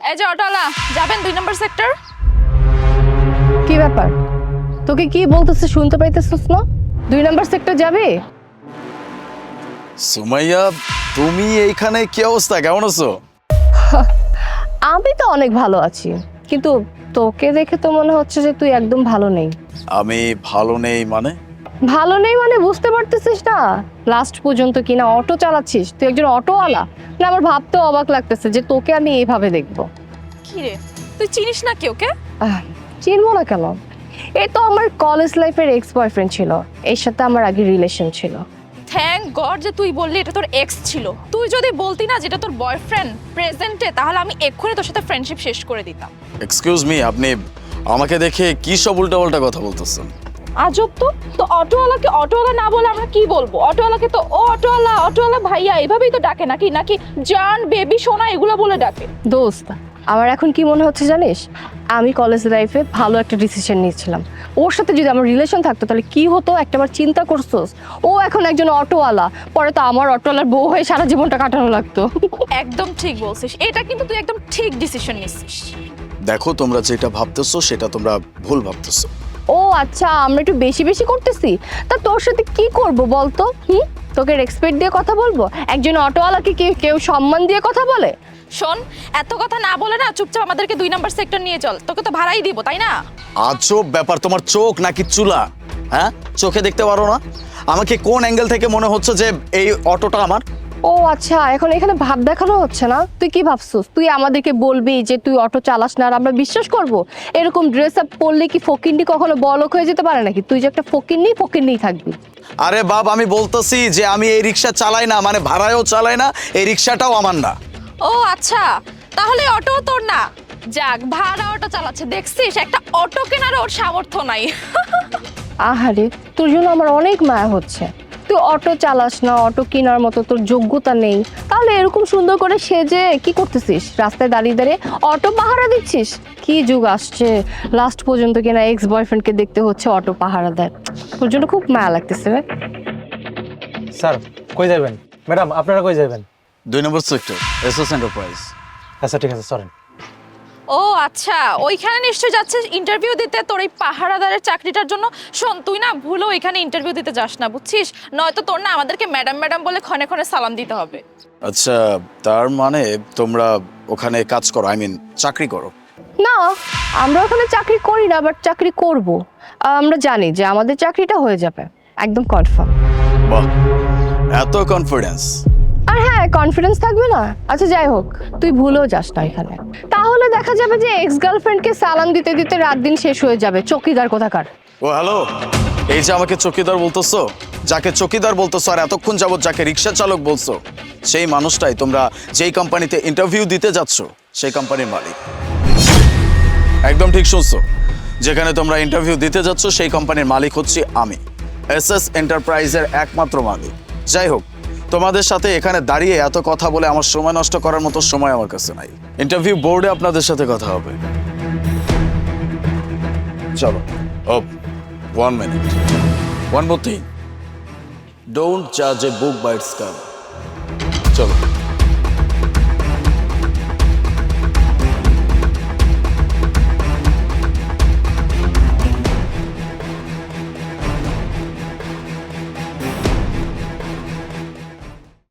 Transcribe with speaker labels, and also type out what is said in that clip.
Speaker 1: এই যে অটোওয়ালা, যাবেন 2 নম্বর সেক্টর।
Speaker 2: কি ব্যাপার? তোকে কি বলতেছে শুনতে পাইতেছিস না? 2 নাম্বার সেক্টর যাবে?
Speaker 3: সুমাইয়া, তুমি এইখানে কি অবস্থা, কেমন আছো?
Speaker 2: আমি তো অনেক ভালো আছি, কিন্তু তোকে দেখে তো মনে হচ্ছে যে তুই একদম ভালো নেই।
Speaker 3: আমি ভালো নেই মানে?
Speaker 2: ভালো নেই মানে বুঝতে পারতেছিস না? লাস্ট পর্যন্ত কিনা অটো চালাচ্ছিস, তুই একজন অটোওয়ালা না? আমার ভাবতেও অবাক লাগতেছে যে তোকে আমি এইভাবে দেখবো।
Speaker 1: কি রে, তুই চিনিস না কেউ কে?
Speaker 2: চিনবো না কেন? এ তো আমার কলেজ লাইফের এক্স বয়ফ্রেন্ড ছিল, এর সাথে আমার আগে রিলেশন ছিল।
Speaker 1: থ্যাংক গড যে তুই বললি এটা তোর এক্স ছিল। তুই যদি বলতি না যেটা তোর বয়ফ্রেন্ড প্রেজেন্টে, তাহলে আমি এক্ষুনি তোর সাথে ফ্রেন্ডশিপ শেষ করে দিতাম।
Speaker 3: এক্সকিউজ মি, আপনি আমাকে দেখে কি সব উল্টাপাল্টা কথা বলতেছেন?
Speaker 1: আজব তো। তো অটোওয়ালাকে অটোওয়ালা না বলে আমরা কি বলবো? অটোওয়ালাকে তো ও অটোওয়ালা, অটোওয়ালা ভাইয়া এভাবেই তো ডাকে, নাকি নাকি জান, বেবি, সোনা এগুলো বলে ডাকে?
Speaker 2: দোস্ত, আমার এখন কি মনে হচ্ছে জানিস? আমি কলেজ লাইফে ভালো একটা ডিসিশন নিয়েছিলাম। ওর সাথে যদি আমার রিলেশন থাকতো তাহলে কি হতো একটাবার চিন্তা করছোস? ও এখন একজন অটোওয়ালা, পরে তো আমার অটোওয়ালার বউ হয়ে সারা জীবনটা কাটানো লাগতো।
Speaker 1: একদম ঠিক বলছিস, এটা কিন্তু তুই একদম ঠিক ডিসিশন নিছিস।
Speaker 3: দেখো, তোমরা যেটা ভাবতেছো সেটা তোমরা ভুল ভাবতেছো।
Speaker 2: ও আচ্ছা, আমরা একটু বেশি বেশি করতেছি। তা তোর সাথে কি করব বলতো? তোকে রেসপেক্ট দিয়ে কথা বলবো? একজন অটোওয়ালাকে কেউ সম্মান দিয়ে কথা বলে?
Speaker 1: শোন, এত কথা না বলে না চুপচাপ আমাদেরকে 2 নম্বর সেক্টর নিয়ে চল, তোকে তো ভাড়াই দিব, তাই না?
Speaker 3: আজব ব্যাপার, তোমার চোখ নাকি চুলা? হ্যাঁ, চোখে দেখতে পারো না? আমাকে কোন অ্যাঙ্গেল থেকে মনে হচ্ছে যে এই অটোটা আমার?
Speaker 2: ও আচ্ছা, এখন এখানে ভাব দেখানো হচ্ছে না? তুই কি ভাবছিস তুই আমাদেরকে বলবি যে তুই অটো চালাস না আর আমরা বিশ্বাস করব? এরকম ড্রেস আপ পরলে কি ফকিন্নি কখনো বড়লোক হয়ে যেতে পারে নাকি? তুই যে একটা ফকিন্নিই থাকবি।
Speaker 3: আরে বাপ, আমি বলতেছি যে আমি এই রিক্সা চালাই না, মানে ভাড়ায়ও চালাই না, এই রিক্সাটাও আমার না।
Speaker 1: ও আচ্ছা, তাহলে অটো তোর না? যাক, ভাড়া অটো চালাচ্ছে দেখছিস, একটা অটো কেনার ওর সামর্থ্য নাই।
Speaker 2: আহারে, তোর জন্য আমার অনেক মায়া হচ্ছে। তুই অটো চালাস না, অটো কেনার মতো তোর যোগ্যতা নেই, তাহলে এরকম সুন্দর করে সেজে কি করতেছিস? রাস্তায় দাঁড়িয়ে দাঁড়িয়ে অটো পাহারা দিচ্ছিস? কি যুগ আসছে, লাস্ট পর্যন্ত কিনা এক্স বয়ফ্রেন্ডকে দেখতে হচ্ছে অটো পাহারা দেয়। তোর জন্য খুব মায়া লাগতেছে রে।
Speaker 4: স্যার, কই যাবেন? ম্যাডাম, আপনারা কই যাবেন?
Speaker 3: 2 নম্বর সেক্টর, এসএস এন্টারপ্রাইজ।
Speaker 4: আচ্ছা ঠিক আছে, সরেন।
Speaker 1: ও আচ্ছা, ওইখানে নিশ্চয়ই যাচ্ছে ইন্টারভিউ দিতে তোর এই পাহারাদারের চাকরিটার জন্য। শোন, তুই না ভুলেও এখানে ইন্টারভিউ দিতে যাস না, বুঝছিস? নয়তো তোর না আমাদেরকে ম্যাডাম ম্যাডাম বলে ক্ষণে ক্ষণে সালাম দিতে হবে।
Speaker 3: আচ্ছা, তার মানে তোমরা ওখানে কাজ করো, আই মিন চাকরি করো?
Speaker 2: না, আমরা ওখানে চাকরি করি না, বাট চাকরি করব। আমরা জানি যে আমাদের চাকরিটা হয়ে যাবে, একদম কনফার্ম।
Speaker 3: বাহ, এত কনফিডেন্স!
Speaker 2: আর হ্যাঁ, কনফিডেন্স থাকবে না? আচ্ছা যাই হোক, তুই ভুলেও যাস না এখানে, তাহলে দেখা যাবে যে এক্স গার্লফ্রেন্ডকে সালাম দিতে দিতে রাত দিন শেষ হয়ে যাবে। চকিদার কোথাকার।
Speaker 3: ও হ্যালো, এই যে আমাকে চকিদার বলতেছো, যাকে চকিদার বলতেছো আর এতক্ষণ যাবত যাকে রিক্সা চালক বলছো, সেই মানুষটাই তোমরা যেই কোম্পানিতে ইন্টারভিউ দিতে যাচ্ছ সেই কোম্পানির মালিক। একদম ঠিক শুনছো, যেখানে তোমরা ইন্টারভিউ দিতে যাচ্ছ সেই কোম্পানির মালিক হচ্ছি আমি, এসএস এন্টারপ্রাইজের একমাত্র মালিক। যাই হোক, তোমাদের সাথে এখানে দাঁড়িয়ে এত কথা বলে আমার সময় নষ্ট করার মতো সময় আমার কাছে নাই। ইন্টারভিউ বোর্ডে আপনাদের সাথে কথা হবে। চলো। ও, 1 minute. One more thing. Don't judge a book by its cover.